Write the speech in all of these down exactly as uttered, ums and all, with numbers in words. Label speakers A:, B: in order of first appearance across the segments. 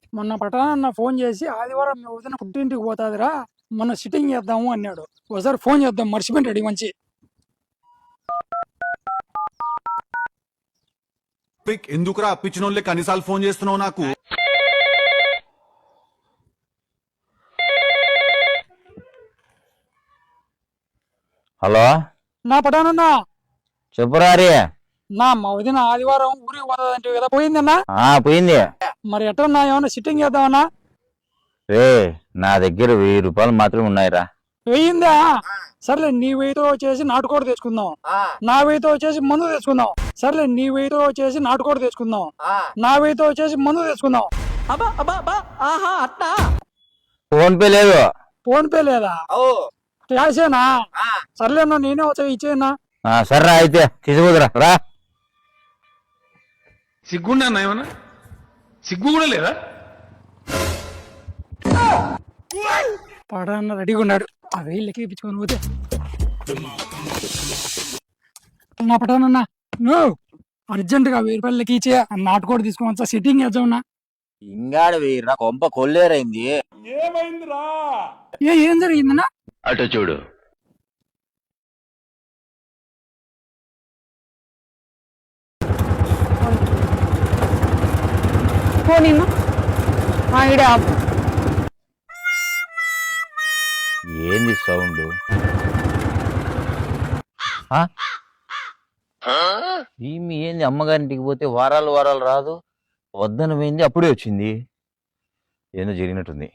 A: మొన్న పట్టణ ఫోన్ చేసి ఆదివారం మీ వదిన పుట్టింటికి పోతాదిరా, మొన్న సిట్టింగ్ చేద్దాము అన్నాడు. ఒకసారి ఫోన్ చేద్దాం, మర్చిపోయింటాడు ఈ మంచి.
B: ఎందుకురా అప్పించినోళ్ళే కనీసాలు ఫోన్ చేస్తున్నావు నాకు?
C: హలో,
A: నా పటానన్నా
C: చెప్పురారి.
A: నా మా వదిన ఆదివారం ఊరికి పోతాదంటే కదా, పోయిందన్నా?
C: పోయింది.
A: మరి ఎట్టన్నా ఏమన్నా సిట్టింగ్ చేద్దామన్నా?
C: రే, నా దగ్గర వెయ్యి రూపాయలు మాత్రమే ఉన్నాయిరా.
A: వెయ్యిందా? సర్లే, నీ వెయ్యితో వచ్చేసి నాటుకోడి తెచ్చుకుందాం. నా వెయ్యితో వచ్చేసి మందు తెచ్చుకుందాం. సర్లే, నీ వెయ్యితో వచ్చేసి నాటుకోడి తెచ్చుకుందాం. నా వెయ్యితో వచ్చేసి మందు తెచ్చుకుందాం.
C: ఫోన్ పే లేదు.
A: ఫోన్ పే లేదా? క్యాషేనా? సర్లేనా, నేనే వచ్చా, ఇచ్చేనా?
C: సర్రా, అయితే తీసుకురా రా.
D: సిగ్గుండా ఏమన్నా? సిగ్గు కూడా లేదా?
A: పడన్న రెడీగా ఉన్నాడు. ఆ వెయ్యి లెక్క ఇప్పించుకొని పోతే నా పటానన్నా, నువ్వు అర్జెంట్ గా వెయ్యి రూపాయలు లెక్క ఇచ్చే, నాటుకోడి తీసుకొని వచ్చా, సిట్టింగ్ చేద్దామన్నా.
C: ఇంగాడు వెయ్యిరా, కొంప కొల్లేరైంది.
D: ఏమైందిరా?
A: ఏ ఏం జరిగిందన్నా?
C: అటు చూడు. ఏంది సౌండ్? ఈమె ఏంది అమ్మగారింటికి పోతే వారాలు వారాలు రాదు, వద్దన పోయింది అప్పుడే వచ్చింది. ఏందో జరిగినట్టుంది.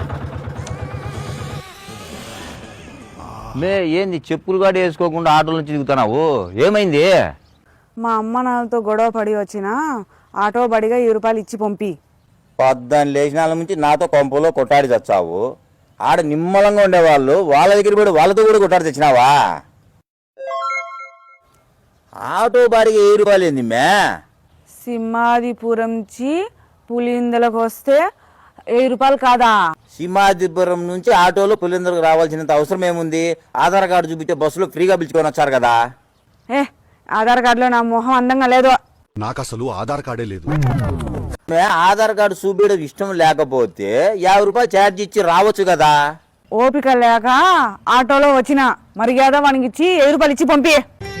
C: మే ఏంది చెప్పులు గాడి వేసుకోకుండా ఆటోల నుంచి దిగుతున్నావు? ఏమైంది?
E: మా అమ్మ నాన్నతో గొడవ పడి వచ్చిన ఆటో బడిగా ఈ రూపాయలు ఇచ్చి పంపి.
C: పద్దాన్ని లేచినాల నుంచి నాతో కొంపలో కొట్టాడి తెచ్చావు. ఆడ నిమ్మలంగా ఉండేవాళ్ళు వాళ్ళ దగ్గర కూడా వాళ్ళతో కూడా కొట్టాడి తెచ్చినావా? ఆటో బాడిగా ఏ రూపాయలు ఏంది మే?
E: సింహాదిపురం నుంచి పులిందలకు వస్తే వెయ్యి రూపాయలు కాదా?
C: సింహాదిపురం నుంచి ఆటోలో పులిందరకు రావాల్సినంత అవసరం ఏముంది? ఆధార్ కార్డు చూపించే బస్సులో ఫ్రీగా పిలుచుకొని వచ్చారు కదా.
E: ఏ ఆధార్ కార్డులో నా మొహం అందంగా లేదు.
B: నాకు అసలు ఆధార్ కార్డే లేదు.
C: ఆధార్ కార్డు చూపించడం ఇష్టం లేకపోతే యాభై రూపాయలు ఛార్జ్ ఇచ్చి రావచ్చు కదా.
E: ఓపిక లేక ఆటోలో వచ్చిన మర్యాద వానికి ఇచ్చి వెయ్యి రూపాయలు ఇచ్చి పంపి.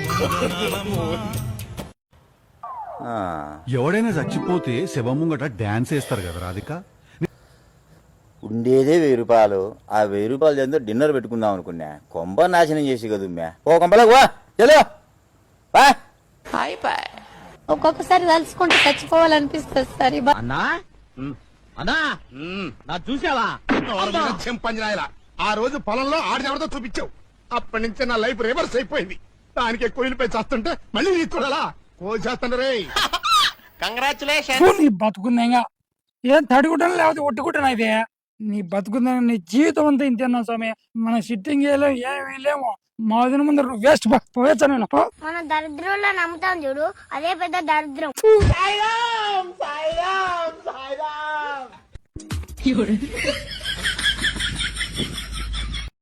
B: ఎవడైనా చచ్చిపోతే శవం ముంగట డాన్స్ వేస్తారు కదా రాధిక.
C: ఉండేదే వెయ్యి రూపాయలు. ఆ వెయ్యి రూపాయలు ఎంతో డిన్నర్ పెట్టుకుందాం అనుకున్నా. కొంప నాశనం చేసి కదా మ్యా. ఓ కొంపలకు వా, చలో వా.
F: ఒక్కొక్కసారి తలుచుకుంటే చచ్చిపోవాలనిపిస్తుంది సార్.
G: అన్నా అన్నా నా చూసావా?
D: చెంపంజరాయలా ఆ రోజు పొలంలో ఆడెవరితో చూపించావు. అప్పటి నుంచి నా లైఫ్ రివర్స్ అయిపోయింది. దానికి కోయిలపై చేస్తుంటే మళ్ళీ నీ చూడాలా? కోసేస్తాను రే.
G: కంగ్రాచులేషన్.
A: నీ బతుకుందేగా, ఏం తడుగుంటాను లేకపోతే ఒట్టుకుంటాను. అయితే నీ బతుకుందా, నీ జీవితం అంతా ఇంతేనా స్వామి. మన సిట్టింగ్ వేయలేము, ఏం వేయలేము. మా వదిన ముందు వేస్ట్ పోయొచ్చా నేను?
H: మన దరిద్రంలో నమ్ముతాం చూడు, అదే పెద్ద దరిద్రం.
G: సాయిరామ్ సాయిరామ్ సాయిరామ్.